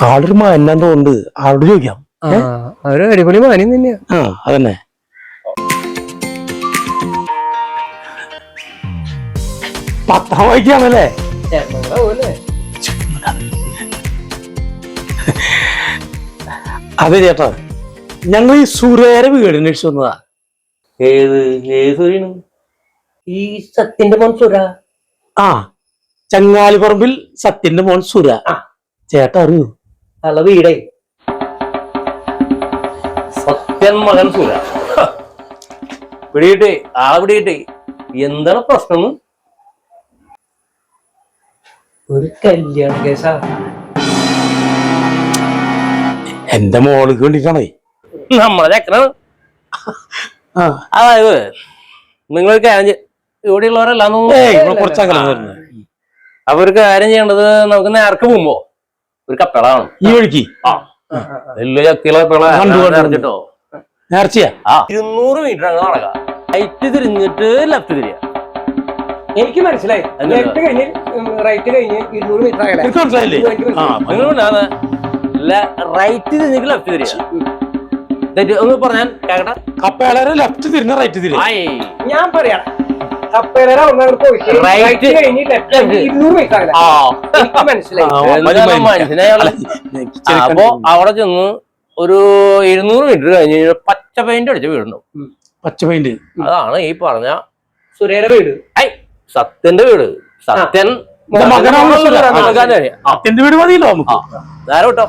ആളൊരു മാനാന്ന് തോന്നുന്നുണ്ട്. ആളോട് ചോദിക്കാം. അവര് അടിപൊളി മാന്യം തന്നെയാ. അതന്നെ. പത്രം വായിക്കാണല്ലേ? അതെ ചേട്ടാ, ഞങ്ങൾ ഈ സുരേരെ വീട് അന്വേഷിച്ചു വന്നതാ. ഈ സത്യന്റെ മോൻ സുര. ചങ്ങാലിപ്പറമ്പിൽ സത്യന്റെ മോൻ സുര. ചേട്ടാ അറിയൂ? അള്ള വീടേ സത്യൻ മകൻ സുര. പിടിയിട്ടേ ആളെ പിടിയിട്ടേ. എന്താണ് പ്രശ്നം? ഒരു കല്യാണ കേസാ. എന്റെ മോൾക്ക് വേണ്ടിട്ടാണേ. നമ്മളെ ചക്കനാണ്. അതായത് നിങ്ങൾക്ക് ഇവിടെയുള്ളവരല്ലാന്ന് അപ്പൊ ഒരു കാര്യം ചെയ്യേണ്ടത്, നമുക്ക് നേർക്ക് പോകുമ്പോ ഒരു കപ്പളാണ് ഈ വഴിക്ക്. വലിയ ചക്കിലെ കപ്പിളോ നേർച്ചയാ. 200 മീറ്റർ അങ്ങ് നടക്കാം. റൈറ്റ് തിരിഞ്ഞിട്ട് ലെഫ്റ്റ് തിരിയാ. എനിക്ക് മനസ്സിലായി. ലെഫ്റ്റ് കഴിഞ്ഞ് റൈറ്റ് കഴിഞ്ഞ് 200 മീറ്റർ റൈറ്റ് തിരിഞ്ഞിട്ട് ലെഫ്റ്റ് തിരിയാ. ഒന്ന് പറഞ്ഞാൽ കേക്കട്ടെ. കപ്പേളരെ ലെഫ്റ്റ് തിരിഞ്ഞ റൈറ്റ് തിരിയാ. ഞാൻ പറയാം. അപ്പൊ അവിടെ ചെന്ന് ഒരു 200 മീറ്റർ കഴിഞ്ഞ് പച്ച പെയിന്റ് അടിച്ച വീടുണ്ടാവും. പച്ച പെയിന്റ്. അതാണ് ഈ പറഞ്ഞ സുരേയുടെ വീട്. സത്യന്റെ വീട്. സത്യൻ സത്യന്റെ വീട് മതിയല്ലോ നമുക്ക്. നേരെ വിട്ടോ.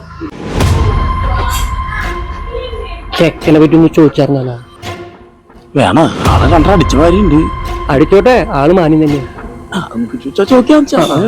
ചെക്കനെ പറ്റി ഒന്ന് ചോദിച്ചായിരുന്നല്ലോ. വേണം. ആളെ കണ്ട അടിച്ച മാരിണ്ട്. അടിച്ചോട്ടെ, ആള് മാന്യം തന്നെയാ. നമുക്ക് ചോദിക്കാം.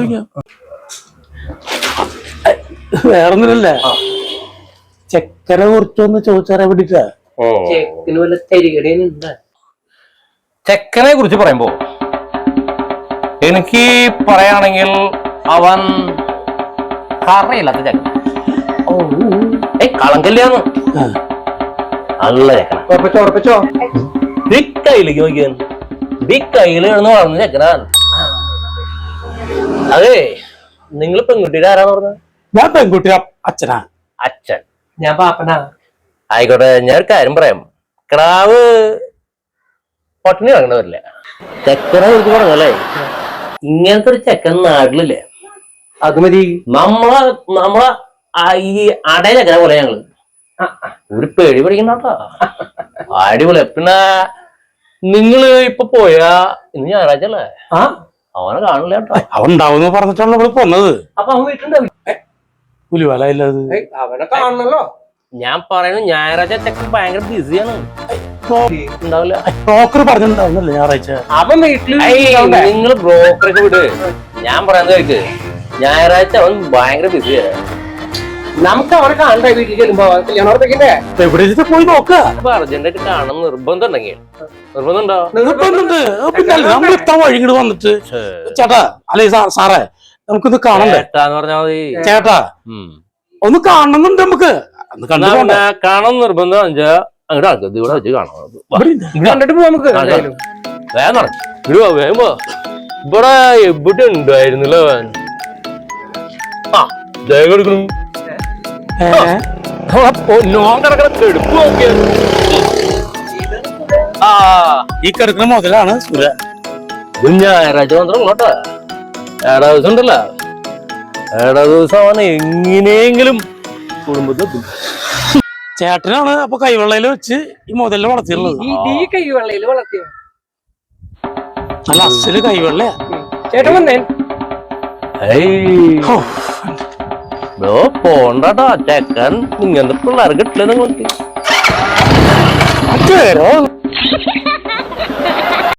വേറൊന്നുമില്ല, ചെക്കനെ കുറിച്ചൊന്ന് ചോദിച്ചറിയാൻ വേണ്ടിട്ടാ. ചെക്കന് വല്ല തരികടയുണ്ട്. ചെക്കനെ കുറിച്ച് പറയുമ്പോ എനിക്ക് പറയാണെങ്കിൽ അവൻ കറയില്ലാത്ത ചെക്കൻ. കളങ്കല്ലാന്ന് നല്ല ചെക്കന. ഉറപ്പിച്ചോ? കയ്യിലേക്ക് നോക്കിയാൽ കയ്യിൽ കിടന്ന് വളർന്ന ചെക്കനാണ്. അതെ, നിങ്ങൾ പെൺകുട്ടിയുടെ ആരാന്ന് പറഞ്ഞത്? ഞാൻ പെൺകുട്ടി അച്ഛനാ. അച്ഛൻ. ഞാൻ പാപ്പനാ. ആയിക്കോട്ടെ, ഞാൻ ഒരു കാര്യം പറയാം. കിടാവ് പട്ടിണി കിടക്കണവരില്ല. ചെക്കനെ കുറിച്ച് പറഞ്ഞല്ലേ, ഇങ്ങനത്തെ ഒരു ചെക്കൻ നാട്ടിലില്ലേ. അത് മതി. നമ്മളെ ഈ അടയ ചെക്കനെ പോലെ ഞങ്ങള് ഒരു പേടി പഠിക്കണ്ടോ. അടിപൊളി. പിന്നെ നിങ്ങള് ഇപ്പൊ പോയാ ഇന്ന് ഞായറാഴ്ച അല്ലേ? അവനെ കാണില്ല കേട്ടോ. അവൻ ഉണ്ടാവുന്ന പറഞ്ഞിട്ടാണ് നമ്മള് പോന്നത്. അപ്പൊ അവൻ വീട്ടിലുണ്ടാവും. പുലിവാല ഇല്ലത്. അവനെ കാണണല്ലോ. ഞാൻ പറയുന്നത് ഞായറാഴ്ച ചെക്കൻ ഭയങ്കര ബിസിയാണ്. ഉണ്ടാവില്ല. ബ്രോക്കർ പറഞ്ഞിട്ടുണ്ടാവുന്നല്ലേ ഞായറാഴ്ച. അവൻ വീട്ടില്. നിങ്ങൾ ബ്രോക്കറൊക്കെ വിട്. ഞാൻ പറയുന്നത് കേൾക്ക്. ഞായറാഴ്ച അവൻ ഭയങ്കര ബിസിയാണ്. നമുക്ക് അവനെ കാണണ്ടേ വീട്ടിൽ ചെല്ലുമ്പോ? കല്യാണോർത്തേക്കിന്റെ എവിടെ പോയി നോക്ക. അർജന്റായിട്ട് കാണാൻ നിർബന്ധം ഉണ്ടെങ്കിൽ നിർബന്ധമുണ്ടോ? നിർബന്ധമുണ്ട്. പിന്നെ നമ്മൾ ഇത്ര വഴിങ്ങോട് വന്നിട്ട് ചേട്ടാ, അല്ലെ സാറേ, നമുക്കിത് കാണണ്ടേ? ചേട്ടാന്ന് പറഞ്ഞാൽ മതി. ചേട്ടാ, ഒന്ന് കാണണമെന്നുണ്ട് നമുക്ക്. കാണാൻ നിർബന്ധം അങ്ങോട്ട് ആൾക്കാർ ഇവിടെ വെച്ച് കാണാം. കണ്ടിട്ട് പോവാ നമുക്ക്. വേഗം നടക്കും. വേഗം പോ. ഇവിടെ എവിടെ ഉണ്ടായിരുന്നില്ല അവൻ. ദേഹം എടുക്കണം. എടുപ്പ് നോക്കിയ ഈ കിടക്കുന്ന മുതലാണ് സുര. ഞായറാഴ്ച മാത്രം കേട്ടോ. ഏടാ ദിവസം ഉണ്ടല്ലോ, ഏടാ ദിവസം അവൻ എങ്ങനെയെങ്കിലും കുടുംബത്തിൽ. ചേട്ടനാണ് അപ്പൊ കൈവെള്ളയിൽ വെച്ച് ഈ മുതലിനെ വളർത്തിയുള്ളത്. ഈ കൈവെള്ളയിൽ വളർത്തിയ നല്ല അസല് കൈവെള്ളയാ. ചേട്ടൻ വന്നേ. പോണ്ടാട്ടോ ചെക്കൻ. ഇങ്ങനത്തെ പിള്ളേർ കിട്ടില്ല നിങ്ങൾക്ക്.